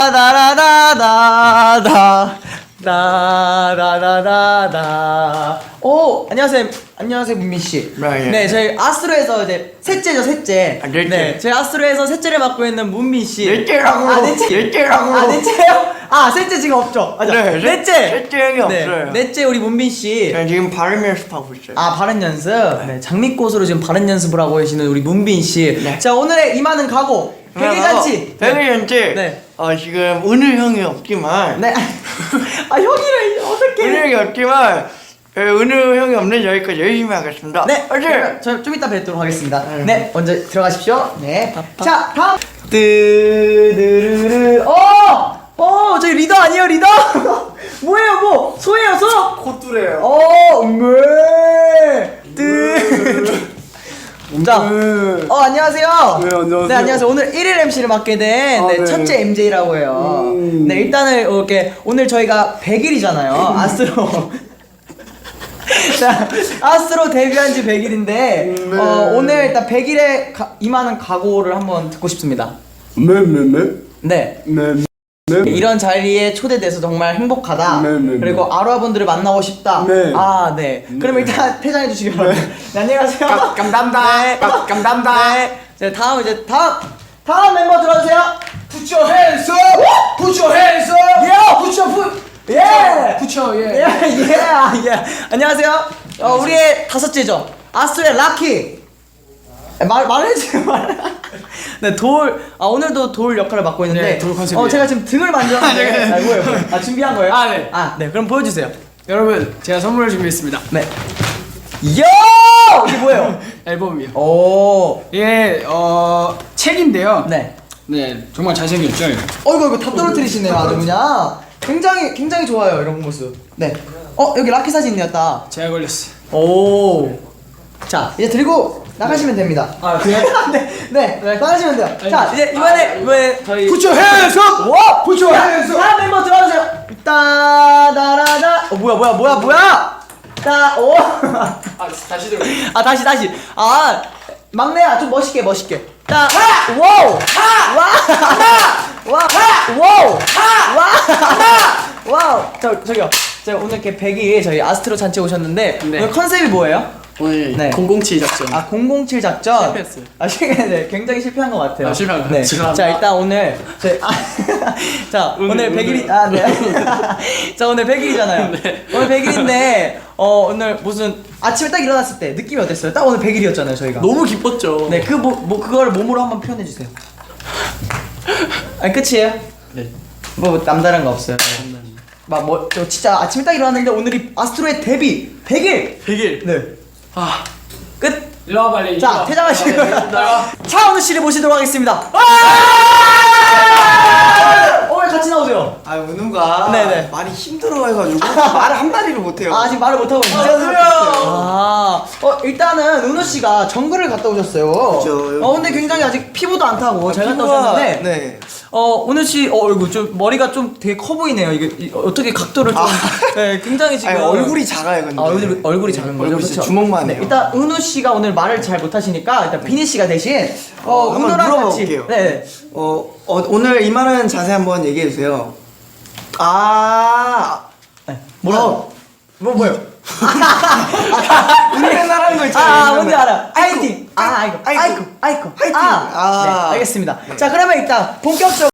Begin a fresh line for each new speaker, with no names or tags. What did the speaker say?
다다다다다 다다다다다. 오, 안녕하세요 문민 씨. 네, 저희 아스트로에서 이제 셋째죠, 셋째.
넷째.
네, 저희 아스트로에서 셋째를 맡고 있는 문민 씨.
넷째라고. 넷째라고.
넷째요? 셋째 지금 없죠? 맞아.
네,
넷째.
넷째 형이 없어요.
넷째 우리 문민 씨.
네, 지금 발음 연습하고 있어요.
발음 연습. 네, 장미꽃으로 지금 발음 연습을 하고 계시는 우리 문빈 씨.
네.
자, 오늘의 임하는 각오. 백일잔치.
백일잔치.
네.
지금 은우 형이 없지만.
네. 형이래 어떻게?
은우 형이 없지만 은우 형이 없는 여기까지 열심히 하겠습니다.
네. 저 좀 이따 뵙도록 하겠습니다. 네. 먼저 들어가십시오. 네. 자, 다음. 뜨르르르. 저희 리더 아니에요, 리더? 뭐예요, 뭐? 소예요, 소?
콧뚜래요.
네. 자, 안녕하세요.
네, 안녕하세요.
네, 안녕하세요. 오늘 1일 MC를 맡게 된
네.
첫째 MJ라고 해요. 네, 일단은 이렇게 오늘 저희가 100일이잖아요. 아스트로. 자, 아스트로 데뷔한 지 100일인데 오늘 일단 100일에 임하는 각오를 한번 듣고 싶습니다. 네. 이런 자리에 초대돼서 정말 행복하다. 그리고 아로아분들을 만나고 싶다. 네. 그럼 일단 퇴장해 주시기 바랍니다. 네, 안녕하세요.
감사합니다.
네.
감사합니다.
네. 다음 멤버 들어주세요.
Put your hands up. Put your hands up.
Put your foot.
Put your
안녕하세요. 우리의 다섯째죠. 아스트로의 라키. 말해주세요. 네, 오늘도 돌 역할을 맡고 있는데.
네, 돌 컨셉이에요.
제가 지금 등을 만졌는데. 뭐예요? 준비한 거예요?
네.
네, 그럼 보여주세요.
여러분, 제가 선물을 준비했습니다.
네. 이게 뭐예요?
앨범이요.
오.
이게 책인데요.
네.
네, 정말 잘생겼죠.
이거 다 떨어뜨리시네요, 아주 그냥. 굉장히 좋아요, 이런 모습. 네. 여기 라키 사진이었다.
제가 걸렸어요.
오. 자, 이제 들고 나가시면 됩니다.
그래요?
네, 나가시면 돼요. 자, 이제 이번에 저희
Put your hands up.
와!
Put your hands up.
다음 멤버 들어주세요. 따다라다. 뭐야? 오.
다시 들어.
다시. 막내야, 좀 멋있게. 와우. 와우. 저기요. 제가 오늘 이렇게 100일 저희 아스트로 잔치 오셨는데
네.
오늘 컨셉이 뭐예요?
오늘
네.
007 작전.
007 작전.
실패했어요.
네, 굉장히 실패한 것 같아요.
실패한 것
네.
같아요. 죄송합니다.
자, 일단 오늘 오늘 100일이 네. 자, 오늘 100일이잖아요.
네.
오늘 100일인데 오늘 무슨 아침에 딱 일어났을 때 느낌이 어땠어요? 딱 오늘 100일이었잖아요, 저희가.
너무 기뻤죠.
네, 그걸 몸으로 한번 표현해 주세요. 끝이에요?
네.
뭐 남다른 거 없어요. 저 진짜 아침에 딱 일어났는데 오늘이 아스트로의 데뷔 100일.
100일.
네. 끝.
일로 와 빨리.
자, 퇴장하시고요. 차은우 씨를 모시도록 하겠습니다. 왜 같이 나오세요?
은우가
네네.
많이 힘들어해가지고 말을 한 마디를 못해요.
아직 말을 못하고 있어요. 일단은 은우 씨가 정글을 갔다 오셨어요.
그렇죠.
근데 굉장히 아직 피부도 안 타고 잘 갔다 오셨는데.
네.
은우 씨, 이거 좀 머리가 좀 되게 커 보이네요. 이게 어떻게 각도를 좀. 네, 굉장히 지금.
얼굴이 작아요, 근데.
얼굴이 작은 거죠.
얼굴이 진짜
그렇죠?
주먹만
네,
해요.
일단 은우 씨가 오늘 말을 잘 못하시니까 일단 비니 씨가 대신
한번
은우랑
물어봐
같이.
볼게요.
네.
오늘 임하는 자세 한번 얘기해 주세요.
뭐라고? 뭐요?
우리나라는 거 있잖아요.
뭔지 알아. 아이팅. 아이고.
아이고.
네, 알겠습니다. 자, 그러면 일단 본격적으로